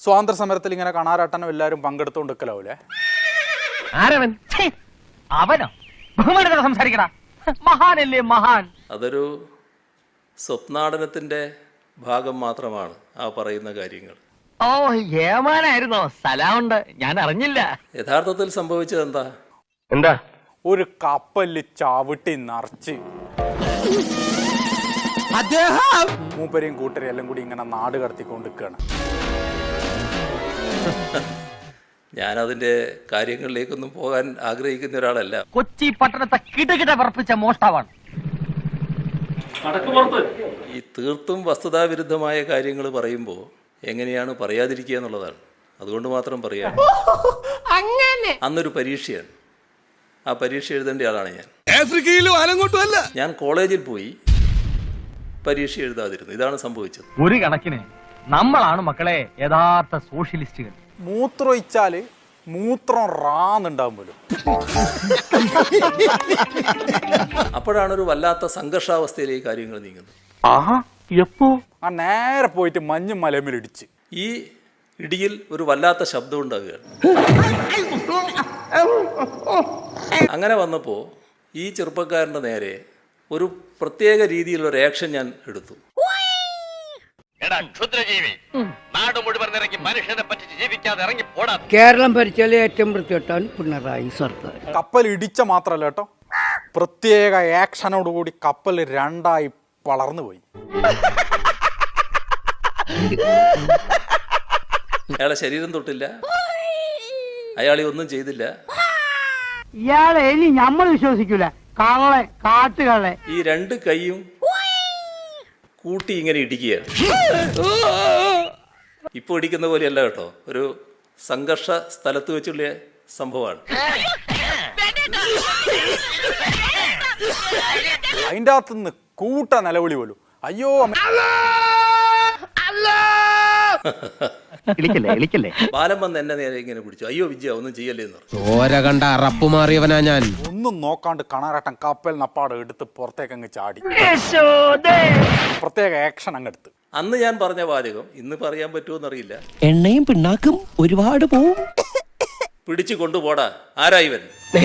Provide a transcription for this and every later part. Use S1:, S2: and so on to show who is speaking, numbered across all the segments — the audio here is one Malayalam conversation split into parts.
S1: സ്വാതന്ത്ര്യ സമരത്തിൽ ഇങ്ങനെ കാണാറാട്ടനും എല്ലാവരും പങ്കെടുത്തോണ്ടിരിക്കലാവൂലേ?
S2: ആരവൻ? അവനോ? ബഹുമാനത്തോടെ സംസാരിക്കടാ. മഹാനല്ലേ മഹാൻ.
S3: അതൊരു സ്വപ്നാടനത്തിന്റെ ഭാഗം മാത്രമാണ് ആ പറയുന്ന കാര്യങ്ങൾ.
S2: ഓ, ഏമാനായിരുന്നോ? സലാമുണ്ട്, ഞാൻ അറിഞ്ഞില്ല.
S3: യഥാർത്ഥത്തിൽ സംഭവിച്ചത് എന്താ?
S2: എന്താ?
S1: ഒരു കപ്പലിൽ ചവിട്ടി നിറച്ച് മൂപ്പരെയും കൂട്ടരെയും എല്ലാം കൂടി ഇങ്ങനെ നാട് കടത്തിക്കൊണ്ടിരിക്കുകയാണ്.
S3: ഞാനതിന്റെ കാര്യങ്ങളിലേക്കൊന്നും പോകാൻ ആഗ്രഹിക്കുന്ന ഒരാളല്ല.
S2: കൊച്ചി പട്ടണത്തെ കിടകിട പറപ്പിച്ച മോഷ്ടാവാണ്.
S3: ഈ തീർത്തും വസ്തുതാവിരുദ്ധമായ കാര്യങ്ങൾ പറയുമ്പോൾ എങ്ങനെയാണ് പറയാതിരിക്കുക എന്നുള്ളതാണ്. അതുകൊണ്ട് മാത്രം പറയാം. അന്നൊരു പരീക്ഷയാണ്. ആ പരീക്ഷ എഴുതേണ്ട ആളാണ് ഞാൻ. ഞാൻ കോളേജിൽ പോയി പരീക്ഷ എഴുതാതിരുന്നു. ഇതാണ് സംഭവിച്ചത്.
S2: ഒരു കണക്കിന് നമ്മളാണ് മക്കളെ യഥാർത്ഥ സോഷ്യലിസ്റ്റുകൾ.
S1: മൂത്രം ഒഴിച്ചാല് മൂത്രം റാന്നുണ്ടാവും പോലും.
S3: അപ്പോഴാണ് ഒരു വല്ലാത്ത സംഘർഷാവസ്ഥയിലേക്ക് കാര്യങ്ങൾ നീങ്ങുന്നത്.
S1: ആ നേരെ പോയിട്ട് മഞ്ഞും മലമിൽ ഇടിച്ച്
S3: ഈ ഇടിയിൽ ഒരു വല്ലാത്ത ശബ്ദം ഉണ്ടാകുകയാണ്. അങ്ങനെ വന്നപ്പോൾ ഈ ചെറുപ്പക്കാരൻ്റെ നേരെ ഒരു പ്രത്യേക രീതിയിലുള്ള ഒരു ആക്ഷൻ ഞാൻ എടുത്തു.
S4: കേരളം ഭരിച്ചാൽ ഏറ്റവും വൃത്തികെട്ടാൻ പിണറായി സർക്കാർ.
S1: കപ്പൽ ഇടിച്ച മാത്രല്ല കേട്ടോ, പ്രത്യേക ആക്ഷനോടുകൂടി കപ്പൽ രണ്ടായി വളർന്നു പോയി.
S3: അയാളെ ശരീരം തൊട്ടില്ല, അയാളെ ഒന്നും ചെയ്തില്ല.
S4: ഇയാളെ ഇനി നമ്മൾ വിശ്വസിക്കൂല. കള്ളെ, കാട്ടുകളെ.
S3: ഈ രണ്ട് കൈയും കൂട്ടി ഇങ്ങനെ ഇടിക്കുകയാണ്. ഇപ്പൊ ഇടിക്കുന്ന പോലെയല്ല കേട്ടോ, ഒരു സംഘർഷ സ്ഥലത്ത് വെച്ചുള്ള സംഭവമാണ്.
S1: അതിൻ്റെ അകത്തുനിന്ന് കൂട്ട നിലവിളി പോലും. അയ്യോ
S3: ബാലം വന്ന് എന്നെ നേരെ ഇങ്ങനെ പിടിച്ചു. അയ്യോ വിജയ ഒന്നും ചെയ്യല്ലേ എന്ന് പറഞ്ഞു.
S5: ഓര കണ്ട അറപ്പ് മാറിയവനാ ഞാൻ.
S1: ഒന്നും നോക്കാണ്ട് കണാരട്ടൻ കപ്പൽ നപ്പാട് എടുത്ത് പുറത്തേക്ക് അങ്ങ് ചാടി. പ്രത്യേക ആക്ഷൻ അങ്ങ് എടുത്ത്.
S3: അന്ന് ഞാൻ പറഞ്ഞ വാചകം ഇന്ന് പറയാൻ പറ്റുമോന്നറിയില്ല.
S5: എണ്ണയും പിണ്ണാക്കും ഒരുപാട് പോവും.
S3: പിടിച്ചു കൊണ്ടുപോടാ, ആരാ ഇവൻ?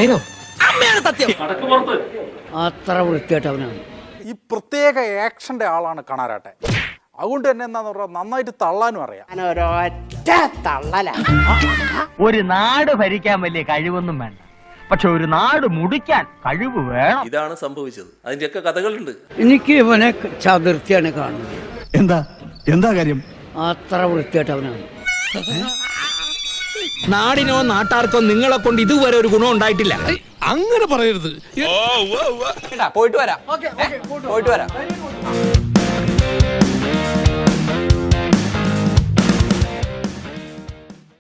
S4: അത്ര വൃത്തികെട്ടവനാണ്.
S1: ഈ പ്രത്യേക ആക്ഷന്റെ ആളാണ് കണാരട്ടൻ. അതുകൊണ്ട് തന്നെ എന്താന്ന് പറഞ്ഞാൽ നന്നായിട്ട് തള്ളാനും അറിയാം.
S2: ഒരു നാട് ഭരിക്കാൻ വലിയ കഴിവൊന്നും വേണ്ട, പക്ഷെ ഒരു നാട് മുടിക്കാൻ കഴിവ് വേണം.
S3: ഇതാണ് സംഭവിച്ചത്. അതിന്റെയൊക്കെ കഥകളുണ്ട്.
S4: എനിക്ക് ഇവനെ ചതുർത്ഥിയാണ് കാണുന്നത്.
S6: എന്താ കാര്യം?
S4: അത്ര വൃത്തികെട്ടവനാണ്.
S5: നാടിനോ നാട്ടാർക്കോ നിങ്ങളെ കൊണ്ട് ഇതുവരെ ഒരു ഗുണം ഉണ്ടായിട്ടില്ല. അങ്ങനെ പറയരുത്.
S7: പോയിട്ട് വരാം.